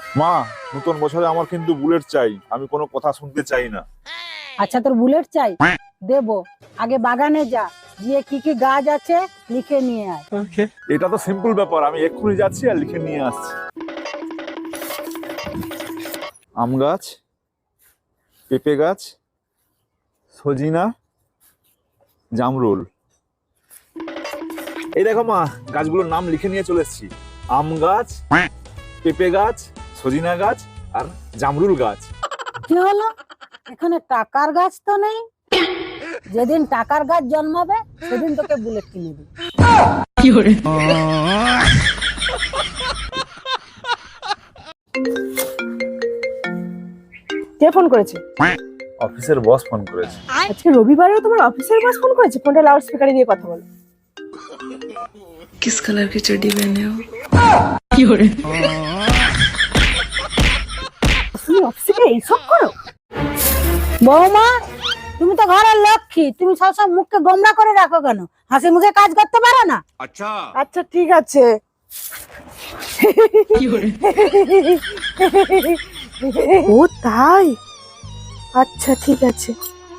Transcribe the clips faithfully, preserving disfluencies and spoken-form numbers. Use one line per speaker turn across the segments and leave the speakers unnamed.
মা, নতুন বছরে আমার কিন্তু বুলেট চাই, আমি কোনো কথা শুনতে চাই না।
আচ্ছা, তোর বুলেট চাই, দেবো। আগে বাগানে যা, গিয়ে কি কি গাছ আছে লিখে নিয়ে আয়।
এটা তো সিম্পল ব্যাপার, আমি এক্ষুনি যাচ্ছি আর লিখে নিয়ে আসছি। আম গাছ, পেঁপে গাছ, সজিনা, জামরুল। এই দেখো মা, গাছগুলোর নাম লিখে নিয়ে চলে এসেছি। আম গাছ, পেঁপে গাছ, সজিনা গাছ আর জামরুল গাছ।
কি হলো, এখানে টাকার গাছ তো নেই? যেদিন টাকার গাছ জন্মাবে সেদিন তোকে বুলেট কিনে দিই।
কে ফোন করেছে?
অফিসের বস ফোন করেছে।
আজকে রবিবারেও তোমার অফিসের বস ফোন করেছে? ফোনটা লাউড স্পিকারে দিয়ে কথা বলো।
किस कलर की चड्डी पहने हो?
তুমি অফিসে এইসব করো?
বৌমা, তুমি তো ঘরের লক্ষ্মী, তুমি সবসময় মুখকে গোমরা করে রাখো কেন? হাসি মুখে কাজ করতে পারো না?
আচ্ছা ঠিক আছে। ও তাই, আচ্ছা ঠিক আছে।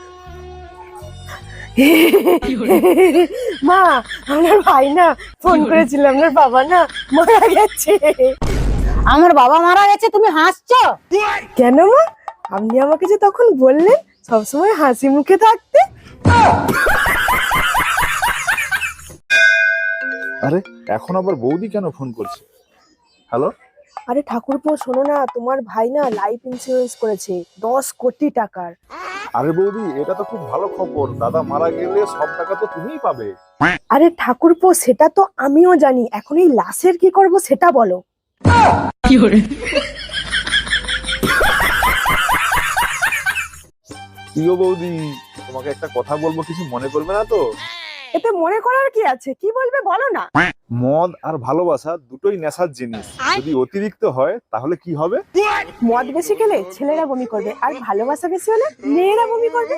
মা, আমার ভাই না ফোন করেছিল, আপনার বাবা না মারা গেছে।
আমার বাবা মারা গেছে, তুমি হাসছো
কেন মা? আপনি আমাকে যে তখন বললেন সবসময় হাসি মুখে থাকতে।
আরে এখন আবার বৌদি কেন ফোন করছে? হ্যালো।
আরে ঠাকুরপো, শোনো না, তোমার ভাই না লাইফ ইন্স্যুরেন্স করেছে দশ কোটি টাকার।
আরে বৌদি, এটা তো খুব ভালো খবর, দাদা মারা গেলে সব টাকা তো তুমিই পাবে।
আরে ঠাকুরপো, সেটা তো আমিও জানি, এখন এই লাশের কি করব সেটা বলো।
কি গো বৌদি, তোমাকে একটা কথা বলবো, কিছু মনে করবে না তো?
এতে মনে করার কি আছে, কি বলবে বলো না।
মদ আর ভালোবাসা দুটোই নেশার জিনিস, যদি অতিরিক্ত হয় তাহলে কি হবে?
মদ বেশি খেলে ছেলেরা বমি করবে, আর ভালোবাসা বেশি হলে মেয়েরা বমি করবে।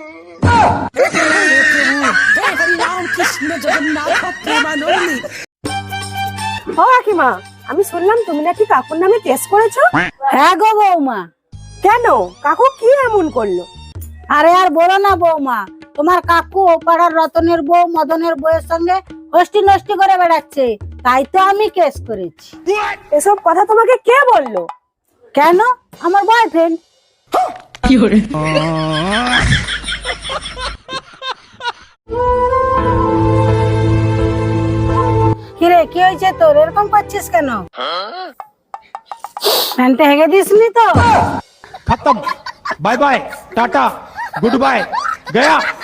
ও কাকিমা, আমি শুনলাম তুমি নাকি কাকুর নামে কেস করেছো?
হ্যাঁ গো বৌমা।
কেন, কাকু কি এমন করলো?
আরে আর বলো না বৌমা, তোমার কাকু ও পাড়ার রতনের বউ মদনের বউয়ের সঙ্গে হস্টি নষ্টি করে বেড়াচ্ছে, তাই তো আমি কেস করেছি।
এসব কথা তোমাকে কে বললো?
কেন, আমার বয়ফ্রেন্ড। কিরে, কি হয়েছে তোর, এরকম করছিস কেন? প্যান্টে হেগে দিসনি তো?
खत्म, bye bye, tata, good bye, गया।